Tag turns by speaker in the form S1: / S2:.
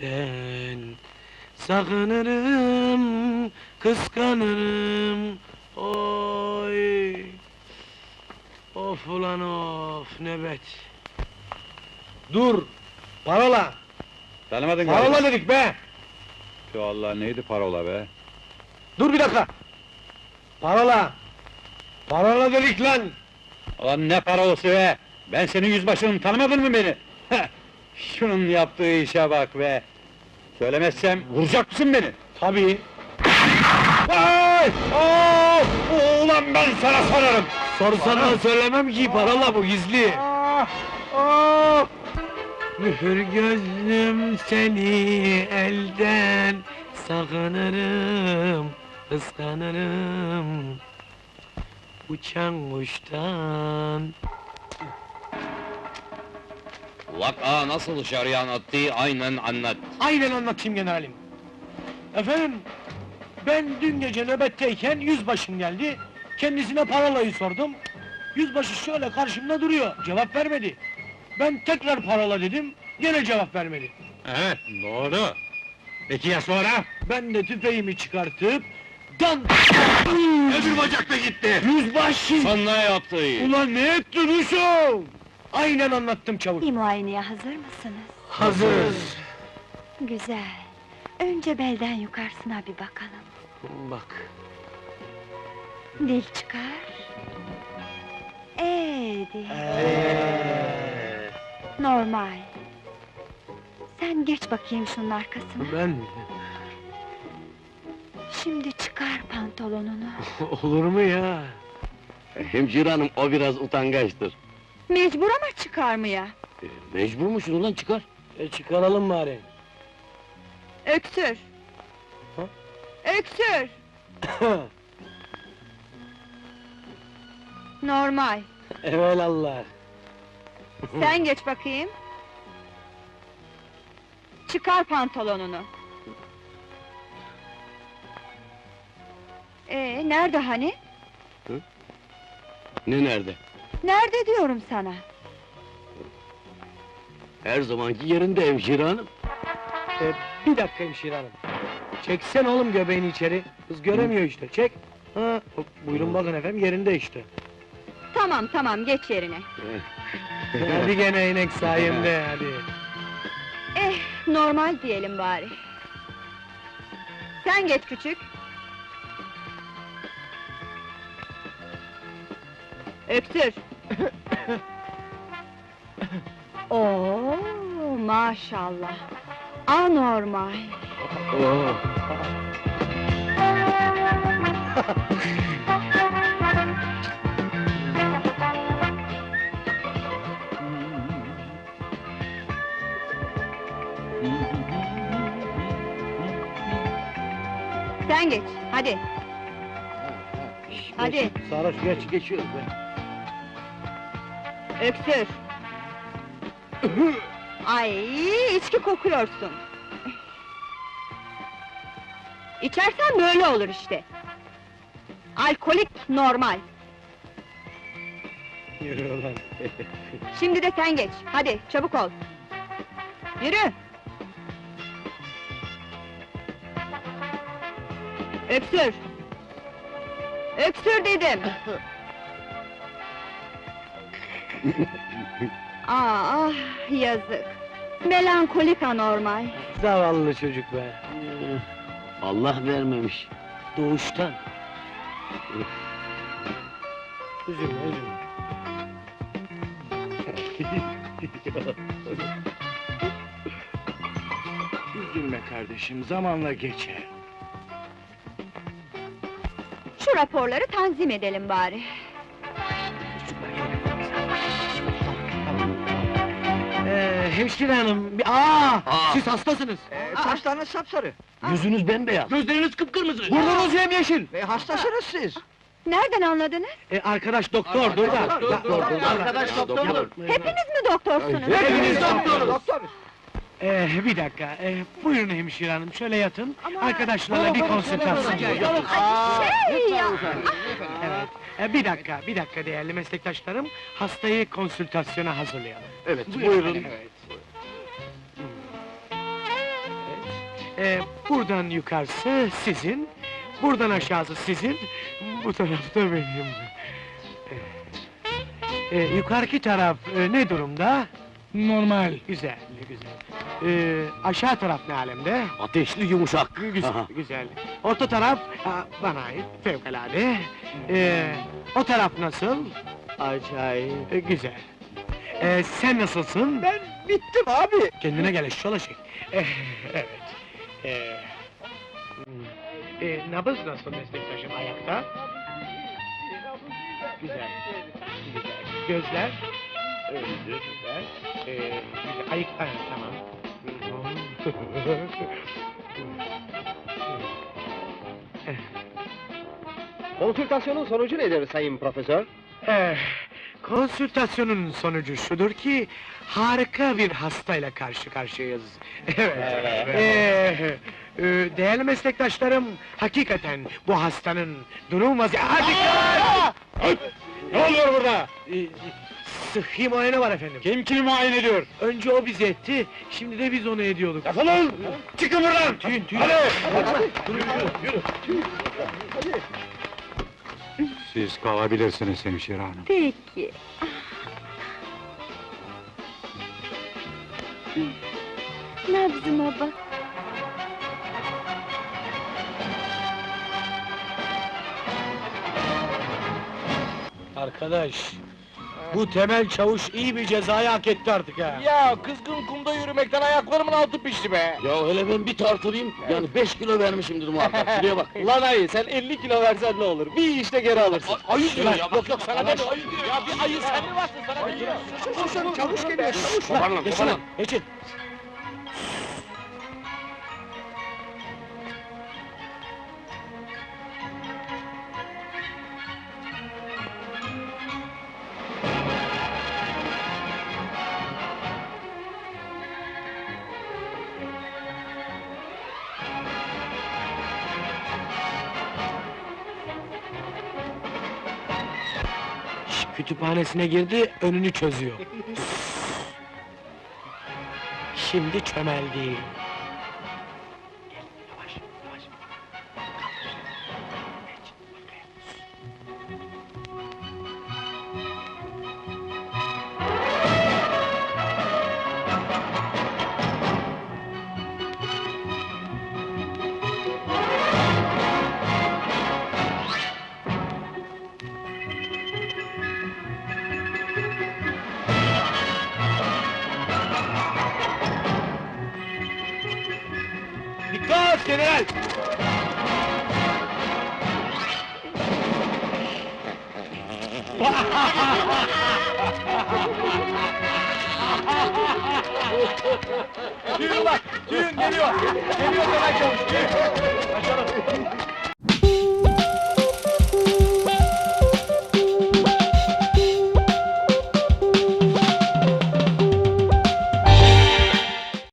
S1: senden. Sakınırım, kıskanırım, oy! Of ulan of, nöbet! Dur! Parola!
S2: Tanımadın
S1: Parola dedik be!
S2: Şu Allah neydi parola be?
S1: Dur bir dakika! Parola! Parola dedik lan!
S2: Ulan ne parolası be? Ben senin yüzbaşınım, tanımadın mı beni? Heh, şunun yaptığı işe bak be! Söylemezsem vuracak mısın beni?
S1: Tabii!
S2: Ay! Of! Ulan ben sana sorarım!
S1: Sorsana söylemem ki, parola bu, gizli!
S2: Of!
S1: Mühür gözlüm seni elden sakınırım, kıskanırım. Uçan kuştan.
S3: Vaka nasıl şaryan attı aynen anlat.
S1: Aynen anlatayım generalim. Efendim, ben dün gece nöbetteyken yüzbaşım geldi. Kendisine parolayı sordum. Yüzbaşı şöyle karşımda duruyor, cevap vermedi. Ben tekrar parola dedim, gene cevap vermedi.
S2: Evet, doğru. Peki ya sonra?
S1: Ben de tüfeğimi çıkartıp... Dan!
S2: Öbür bacak da gitti!
S1: Yüzbaşı!
S3: Sen ne yaptı?
S1: Ulan ne ettin uşağım? Aynen anlattım çavuş.
S4: Bir muayeneye hazır mısınız?
S1: Hazırız.
S4: Güzel. Önce belden yukarısına bir bakalım.
S1: Bak.
S4: Dil çıkar. Dil. Normal. Sen geç bakayım şunun arkasına.
S1: Ben...
S4: Şimdi çıkar pantolonunu.
S1: Olur mu ya?
S5: Hemşire hanım, o biraz utangaçtır.
S4: Mecbur ama çıkarmaya.
S5: Mecbur musun ulan, çıkar.
S1: Çıkaralım bari.
S4: Öksür.
S1: Ha?
S4: Öksür. Normal.
S1: Evelallah.
S4: Sen geç bakayım. Çıkar pantolonunu. Nerede hani?
S5: Ne nerede?
S4: Nerede diyorum sana?
S5: Her zamanki yerinde hemşire hanım.
S1: Bir dakika hemşire hanım. Çeksen oğlum göbeğini içeri. Kız göremiyor işte, çek. Ha, buyurun bakın efendim, yerinde işte.
S4: Tamam tamam, geç yerine.
S1: Hadi gene inek sayemde, hadi.
S4: Normal diyelim bari. Sen geç küçük. Öksür. Oo, maşallah. Anormal.
S1: Oo.
S4: Sen geç, hadi. Hadi.
S1: Sarhoş geç.
S5: Geçiyoruz be.
S4: Öksür. Ay, içki kokuyorsun. İçersen böyle olur işte. Alkolik normal.
S1: Yürü ulan.
S4: Şimdi de sen geç, hadi çabuk ol. Yürü. Öksür. Öksür dedim. Ah, yazık. Melankolik anormal.
S1: Zavallı çocuk be.
S5: Allah vermemiş.
S1: Doğuştan. Üzülme, üzülme.
S5: Üzülme kardeşim, zamanla geçer.
S4: Şu raporları tanzim edelim bari.
S1: Hemşire hanım, siz hastasınız.
S6: Saçlarınız sapsarı,
S5: Yüzünüz bembeyaz.
S1: Gözleriniz kıpkırmızı.
S6: Burnunuz
S1: yemyeşil.
S6: hastasınız siz!
S4: Nereden anladınız?
S1: Arkadaş doktordur da.
S5: Arkadaş doktordur.
S4: Hepiniz mi doktorsunuz?
S1: Hepiniz doktoruz.
S6: Doktor!
S1: Bir dakika, buyurun hemşire hanım, şöyle yatın.
S6: Ama-
S1: Arkadaşlarla bir konsültasyon.
S4: Şey ya!
S1: Evet, bir dakika değerli meslektaşlarım. Hastayı konsültasyona hazırlayalım.
S5: Evet, buyurun.
S1: Evet. Buradan yukarısı sizin, buradan aşağısı sizin, bu tarafta benim. Yukarıki taraf ne durumda? Normal. Güzel, güzel. Aşağı taraf ne alemde?
S5: Ateşli yumuşak.
S1: Güzel, güzel. Orta taraf bana ait, fevkalade. O taraf nasıl?
S5: Acayip.
S1: Güzel. Sen nasılsın?
S6: Ben bittim abi.
S1: Kendine gel eşşoğlu şey. Evet. Nabız nasıl meslektaşım ayakta? Güzel. Güzel. Gözler? Güzel. Güzel. Ayık, tamam.
S6: Konsültasyonun sonucu nedir sayın profesör?
S1: Konsültasyonun sonucu şudur ki, harika bir hastayla karşı karşıyayız. Evet. Değerli meslektaşlarım, hakikaten bu hastanın durum vaziyeti... Dikkat!
S2: Ne oluyor burada?
S1: Sıhhi muayene var efendim.
S2: Kim kimi muayene ediyor?
S1: Önce o bizi etti, şimdi de biz onu ediyorduk.
S2: Defolun! Çıkın buradan!
S1: Tüyün, tüyün.
S2: Hadi!
S1: Yürü.
S2: Siz kalabilirsiniz hemşire hanım.
S4: Peki. Nabzıma bak.
S1: Arkadaş, bu Temel Çavuş iyi bir cezayı hak etti artık ha.
S6: Ya kızgın kumda yürümekten ayaklarımın altı pişti be.
S5: Ya hele ben bir tartılayım, yani 5 kilo vermişimdir muhakkak, şuraya bak.
S6: Lan ayı sen 50 kilo versen ne olur? Bir işte geri alırsın.
S1: Ayı
S6: Lan, yok sana ne ayı diyor ya bir ayı sen mi varsın sana ne diyor? Çavuş geliyor çavuş.
S5: Toparlan, toparlan.
S1: Geçin. Kütüphanesine girdi, önünü çözüyor. Şimdi çömeldi. Gel, yavaş, yavaş. Geç, arkaya. Dikkat general! Düğün bak, düğün geliyor! Geliyor Temel Çavuş, düğün! Kaçalım!